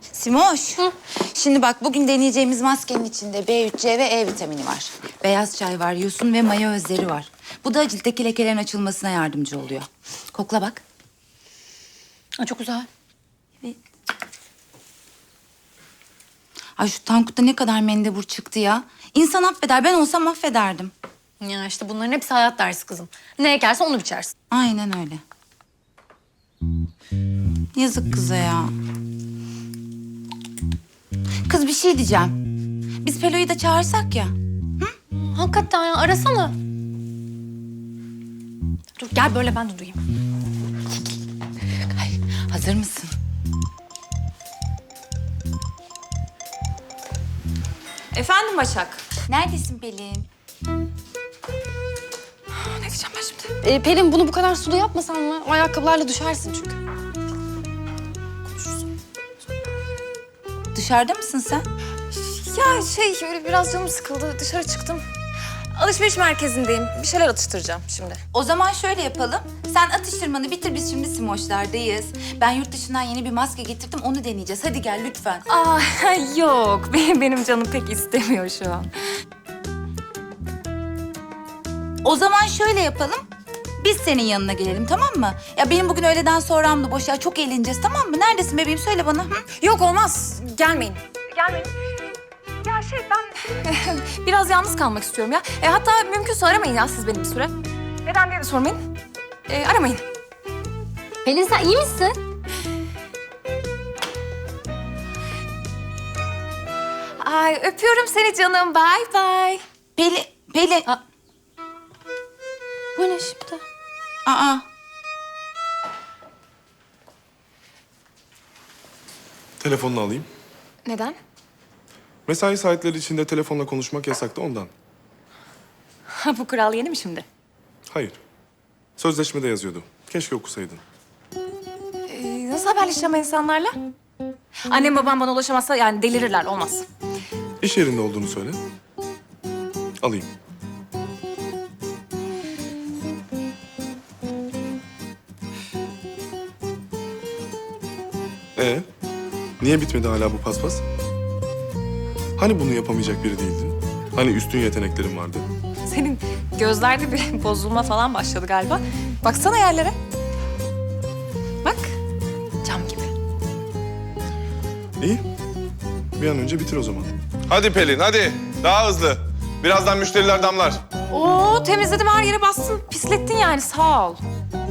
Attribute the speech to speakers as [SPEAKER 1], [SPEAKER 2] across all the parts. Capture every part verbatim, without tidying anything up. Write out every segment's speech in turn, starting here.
[SPEAKER 1] Simoş. Hı. Şimdi bak bugün deneyeceğimiz maskenin içinde B üç C ve E vitamini var. Beyaz çay var, yosun ve maya özleri var. Bu da ciltteki lekelerin açılmasına yardımcı oluyor. Kokla bak.
[SPEAKER 2] Aa, çok güzel.
[SPEAKER 1] Evet. Ay şu Tankut'ta ne kadar mendebur çıktı ya. İnsan affeder. Ben olsam affederdim.
[SPEAKER 2] Ya işte bunların hepsi hayat dersi kızım. Ne ekersen onu biçersin.
[SPEAKER 1] Aynen öyle. Yazık kıza ya. Kız bir şey diyeceğim. Biz Pelo'yu da çağırsak ya.
[SPEAKER 2] Hakikaten ya arasana. Dur gel böyle ben de duyayım.
[SPEAKER 1] Ay, hazır mısın?
[SPEAKER 3] Efendim Başak.
[SPEAKER 1] Neredesin Pelin?
[SPEAKER 3] Ne diyeceğim ben şimdi?
[SPEAKER 2] Ee, Pelin bunu bu kadar sulu yapmasan mı? O ayakkabılarla düşersin çünkü.
[SPEAKER 1] Dışarıda mısın sen?
[SPEAKER 3] Ya şey öyle biraz canım sıkıldı. Dışarı çıktım. Alışveriş merkezindeyim. Bir şeyler atıştıracağım şimdi.
[SPEAKER 1] O zaman şöyle yapalım. Sen atıştırmanı bitir, biz şimdi Simoş'lardayız. Ben yurt dışından yeni bir maske getirdim, onu deneyeceğiz. Hadi gel lütfen.
[SPEAKER 3] Aa yok. Benim, benim canım pek istemiyor şu an.
[SPEAKER 1] O zaman şöyle yapalım. Biz senin yanına gelelim, tamam mı? Ya benim bugün öğleden sonramdı boş ya. Çok eğleneceğiz, tamam mı? Neredesin bebeğim? Söyle bana. Hı?
[SPEAKER 3] Yok olmaz. Gelmeyin. Gelmeyin. Ya şey ben biraz yalnız kalmak istiyorum ya. E, hatta mümkünse aramayın ya siz beni bir süre. Neden diye de sormayın. E, aramayın.
[SPEAKER 2] Pelin sen iyi misin?
[SPEAKER 3] Ay öpüyorum seni canım. Bye bye.
[SPEAKER 1] Pelin, Pelin.
[SPEAKER 2] Aa. Bu ne şimdi?
[SPEAKER 1] Aa.
[SPEAKER 4] Telefonunu alayım.
[SPEAKER 3] Neden?
[SPEAKER 4] Mesai saatleri içinde telefonla konuşmak yasak da ondan.
[SPEAKER 3] Ha, bu kural yeni mi şimdi?
[SPEAKER 4] Hayır. Sözleşmede yazıyordu. Keşke okusaydın.
[SPEAKER 3] Ee, nasıl haberleşeceğim insanlarla? Annem babam bana ulaşamazsa yani delirirler. Olmaz.
[SPEAKER 4] İş yerinde olduğunu söyle. Alayım. Ee, niye bitmedi hala bu paspas? Hani bunu yapamayacak biri değildin? Hani üstün yeteneklerin vardı?
[SPEAKER 3] Senin gözlerde bir bozulma falan başladı galiba. Baksana yerlere. Bak. Cam gibi.
[SPEAKER 4] İyi. Bir an önce bitir o zaman. Hadi Pelin, hadi. Daha hızlı. Birazdan müşteriler damlar.
[SPEAKER 3] Oo, temizledim, her yere bastın. Pislettin yani, sağ ol.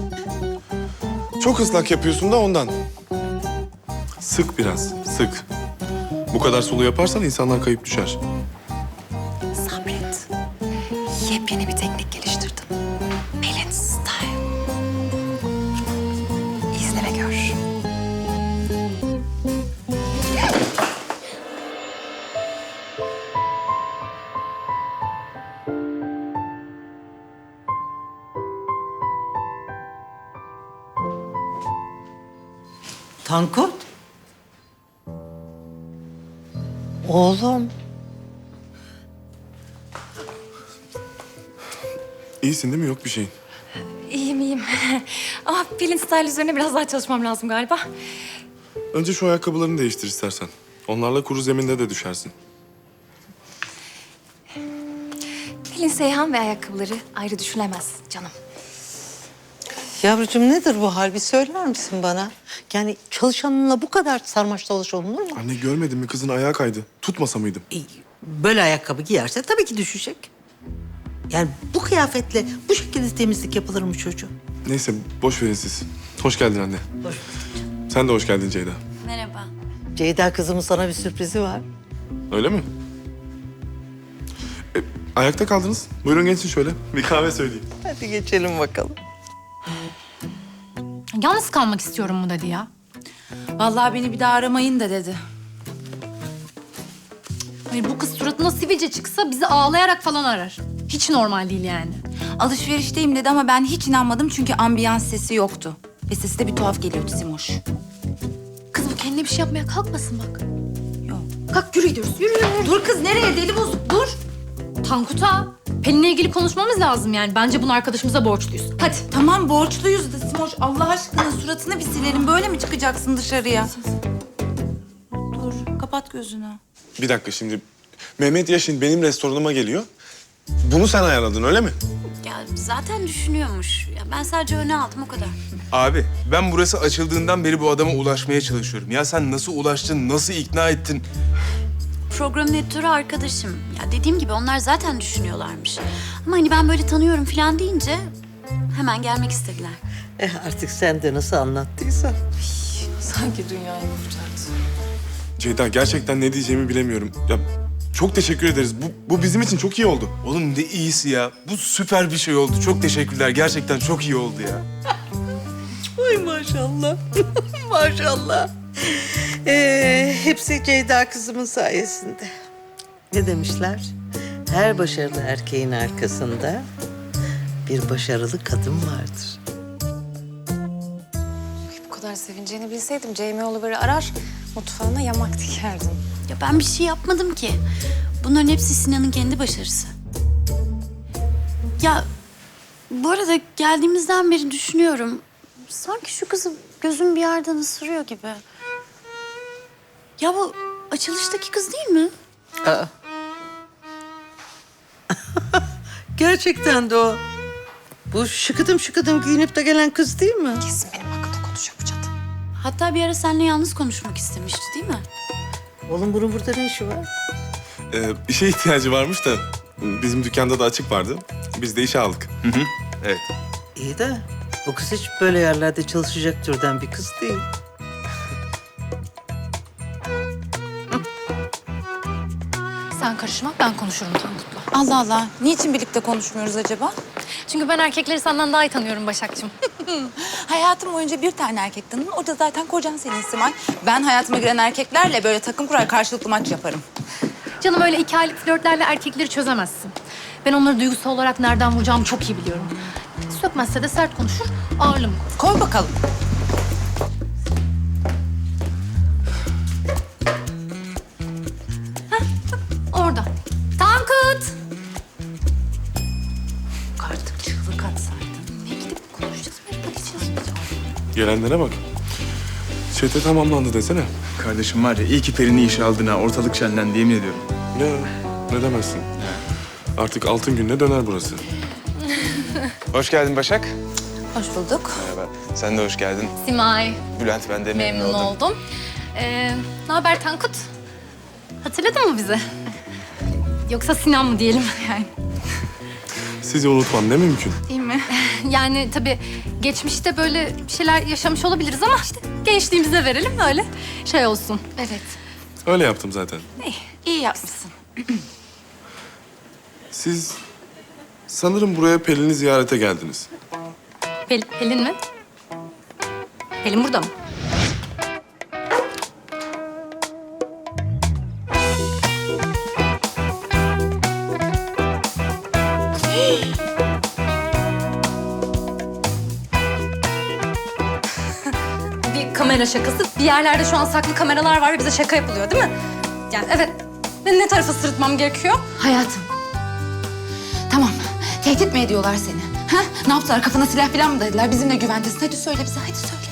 [SPEAKER 4] Çok ıslak yapıyorsun da ondan. Sık biraz, sık. Bu kadar sulu yaparsan insanlar kayıp düşer.
[SPEAKER 3] Sabret. Yepyeni bir teknik geliştirdim. Pelin Style. İzle ve gör.
[SPEAKER 5] Tankut. Oğlum.
[SPEAKER 4] İyisin değil mi? Yok bir şeyin.
[SPEAKER 3] İyiyim, iyiyim. Ama Pelin Style üzerine biraz daha çalışmam lazım galiba.
[SPEAKER 4] Önce şu ayakkabılarını değiştir istersen. Onlarla kuru zeminde de düşersin.
[SPEAKER 3] Pelin Seyhan ve ayakkabıları ayrı düşünülemez canım.
[SPEAKER 5] Yavrucuğum nedir bu hal? Bir söyler misin bana? Yani çalışanınla bu kadar sarmaş dolaş olunur mu?
[SPEAKER 4] Anne görmedin mi? Kızın ayağı kaydı. Tutmasa mıydım?
[SPEAKER 5] E, Böyle ayakkabı giyerse tabii ki düşecek. Yani bu kıyafetle bu şekilde temizlik yapılır mı çocuğum?
[SPEAKER 4] Neyse boş verin siz. Hoş geldin anne.
[SPEAKER 5] Hoş
[SPEAKER 4] Sen de hoş geldin Ceyda.
[SPEAKER 1] Merhaba.
[SPEAKER 5] Ceyda kızımın sana bir sürprizi var.
[SPEAKER 4] Öyle mi? E, ayakta kaldınız. Buyurun geçin şöyle. Bir kahve söyleyeyim.
[SPEAKER 5] Hadi geçelim bakalım.
[SPEAKER 2] Yalnız kalmak istiyorum mu dedi ya.
[SPEAKER 1] Vallahi beni bir daha aramayın da dedi.
[SPEAKER 2] Hayır, bu kız suratına sivilce çıksa bizi ağlayarak falan arar. Hiç normal değil yani.
[SPEAKER 1] Alışverişteyim dedi ama ben hiç inanmadım çünkü ambiyans sesi yoktu. Ve sesi de bir tuhaf geliyordu Simoş.
[SPEAKER 2] Kız bu kendine bir şey yapmaya kalkmasın bak.
[SPEAKER 1] Yok.
[SPEAKER 2] Kalk yürü gidiyoruz. Yürü yürü. yürü.
[SPEAKER 1] Dur kız nereye? Deli bozuk dur.
[SPEAKER 2] Tankut'a Pelin'le ilgili konuşmamız lazım yani. Bence bunu arkadaşımıza borçluyuz. Hadi.
[SPEAKER 1] Tamam borçluyuz da Simoş. Allah aşkına suratını bir silelim. Böyle mi çıkacaksın dışarıya? kapat gözünü.
[SPEAKER 4] Bir dakika şimdi. Mehmet Yaşin benim restoranıma geliyor. Bunu sen ayarladın öyle mi?
[SPEAKER 6] Ya zaten düşünüyormuş. Ya ben sadece öne aldım o kadar.
[SPEAKER 7] Abi ben burası açıldığından beri bu adama ulaşmaya çalışıyorum. Ya sen nasıl ulaştın, nasıl ikna ettin?
[SPEAKER 6] Programın editörü arkadaşım. Ya dediğim gibi onlar zaten düşünüyorlarmış. Ama hani ben böyle tanıyorum falan deyince hemen gelmek istediler.
[SPEAKER 5] Eh artık sen de nasıl anlattıysan.
[SPEAKER 3] Sanki dünyayı kurtardı.
[SPEAKER 4] Ceyda gerçekten ne diyeceğimi bilemiyorum. Ya çok teşekkür ederiz. Bu, bu bizim için çok iyi oldu.
[SPEAKER 7] Oğlum ne iyisi ya. Bu süper bir şey oldu. Çok teşekkürler. Gerçekten çok iyi oldu ya.
[SPEAKER 5] Ay maşallah. Maşallah. Ee, hepsi Ceyda kızımın sayesinde. Ne demişler? Her başarılı erkeğin arkasında bir başarılı kadın vardır.
[SPEAKER 3] Bu kadar sevineceğini bilseydim Jamie Oliver'ı arar, mutfağına yamak dikerdim.
[SPEAKER 6] Ya ben bir şey yapmadım ki. Bunların hepsi Sinan'ın kendi başarısı. Ya bu arada geldiğimizden beri düşünüyorum. Sanki şu kızı gözüm bir yerden ısırıyor gibi. Ya bu açılıştaki kız değil mi?
[SPEAKER 5] Aa. Gerçekten de o. Bu şıkıdım şıkıdım giyinip de gelen kız değil mi?
[SPEAKER 3] Kesin benim hakkımda konuşuyor bu cadı.
[SPEAKER 6] Hatta bir ara seninle yalnız konuşmak istemişti değil mi?
[SPEAKER 5] Oğlum bunun burada ne işi var?
[SPEAKER 4] Ee, bir şeye ihtiyacı varmış da bizim dükkanda da açık vardı. Biz de işe aldık.
[SPEAKER 7] Evet.
[SPEAKER 5] İyi de bu kız hiç böyle yerlerde çalışacak türden bir kız değil.
[SPEAKER 2] Sen karışma, ben konuşurum Tankut'la.
[SPEAKER 1] Allah Allah. Niçin birlikte konuşmuyoruz acaba?
[SPEAKER 2] Çünkü ben erkekleri senden daha iyi tanıyorum Başak'cığım.
[SPEAKER 1] Hayatım boyunca bir tane erkek tanıdım. O da zaten kocan senin Simay. Ben hayatıma giren erkeklerle böyle takım kurar karşılıklı maç yaparım.
[SPEAKER 2] Canım öyle iki aylık flörtlerle erkekleri çözemezsin. Ben onları duygusal olarak nereden vuracağımı çok iyi biliyorum. Sökmezse de sert konuşur, ağırlığımı koy.
[SPEAKER 1] Koy bakalım.
[SPEAKER 2] Orada. Tankut!
[SPEAKER 1] Artık çığlık atsaydın.
[SPEAKER 2] Ne gidip konuşacağız, nereye gideceğiz?
[SPEAKER 4] Gelenlere bak. Çete tamamlandı desene.
[SPEAKER 7] Kardeşim var ya iyi ki Peri'ni işe aldın ha. Ortalık şenlendi yemin ediyorum.
[SPEAKER 4] Ya ne demezsin. Artık altın gününe döner burası.
[SPEAKER 7] Hoş geldin Başak.
[SPEAKER 1] Hoş bulduk.
[SPEAKER 7] Merhaba. Sen de hoş geldin.
[SPEAKER 2] Simay,
[SPEAKER 7] Bülent ben de memnun,
[SPEAKER 2] memnun
[SPEAKER 7] oldum.
[SPEAKER 2] oldum. Ee, ne haber Tankut? Hatırladın mı bizi? Yoksa Sinan mı diyelim yani?
[SPEAKER 4] Sizi unutmam ne mümkün.
[SPEAKER 1] Değil mi?
[SPEAKER 2] Yani tabii geçmişte böyle bir şeyler yaşamış olabiliriz ama işte gençliğimize verelim öyle şey olsun.
[SPEAKER 1] Evet.
[SPEAKER 4] Öyle yaptım zaten.
[SPEAKER 1] İyi, iyi yapmışsın.
[SPEAKER 4] Siz sanırım buraya Pelin'i ziyarete geldiniz.
[SPEAKER 2] Pel- Pelin mi? Pelin burada mı? Bir kamera şakası. Bir yerlerde şu an saklı kameralar var ve bize şaka yapılıyor değil mi? Yani evet. Ben ne tarafa sırıtmam gerekiyor?
[SPEAKER 1] Hayatım. Tamam. Tehdit mi ediyorlar seni? Ha? Ne yaptılar? Kafana silah falan mı dayadılar? Bizimle güventesin. Hadi söyle bize. Hadi söyle.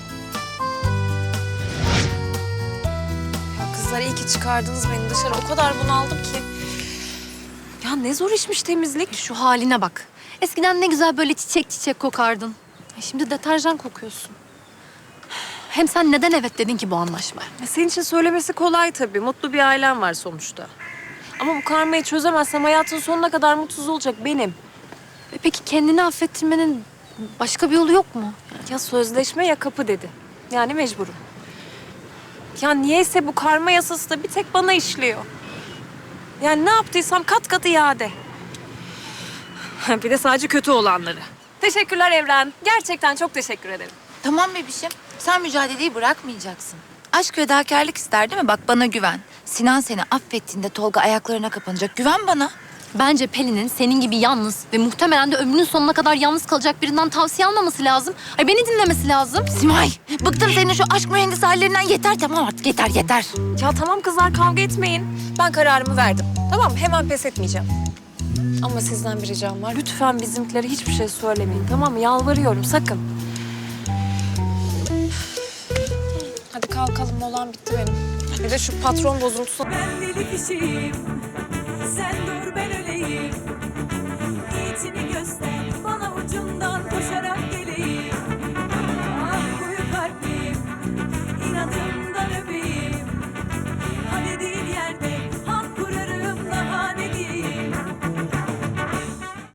[SPEAKER 3] Ya kızlar iyi ki çıkardınız beni dışarı. O kadar bunaldım ki. Ya ne zor işmiş temizlik.
[SPEAKER 2] Şu haline bak. Eskiden ne güzel böyle çiçek çiçek kokardın. Ay, şimdi deterjan kokuyorsun. Hem sen neden evet dedin ki bu anlaşmaya?
[SPEAKER 3] Ya senin için söylemesi kolay tabii. Mutlu bir ailem var sonuçta. Ama bu karmayı çözemezsem hayatın sonuna kadar mutsuz olacak benim.
[SPEAKER 2] E peki kendini affettirmenin başka bir yolu yok mu?
[SPEAKER 3] Ya sözleşme ya kapı dedi. Yani mecburum. Ya niyeyse bu karma yasası da bir tek bana işliyor. Yani ne yaptıysam kat kat iade. Bir de sadece kötü olanları. Teşekkürler Evren. Gerçekten çok teşekkür ederim.
[SPEAKER 1] Tamam bebişim. Sen mücadeleyi bırakmayacaksın. Aşk fedakarlık ister değil mi? Bak bana güven. Sinan seni affettiğinde Tolga ayaklarına kapanacak. Güven bana.
[SPEAKER 2] Bence Pelin'in senin gibi yalnız ve muhtemelen de ömrünün sonuna kadar yalnız kalacak birinden tavsiye almaması lazım. Ay beni dinlemesi lazım.
[SPEAKER 1] Simay, bıktım senin şu aşk mühendisi hallerinden. Yeter tamam artık yeter yeter.
[SPEAKER 3] Ya tamam kızlar kavga etmeyin. Ben kararımı verdim. Tamam hemen pes etmeyeceğim. Ama sizden bir ricam var. Lütfen bizimkilere hiçbir şey söylemeyin. Tamam mı? Yalvarıyorum sakın. Hadi kalkalım. Molam bitti benim. Bir de şu patron bozuntusu.
[SPEAKER 8] Ben deli kişiyim, sen dur ben öleyim.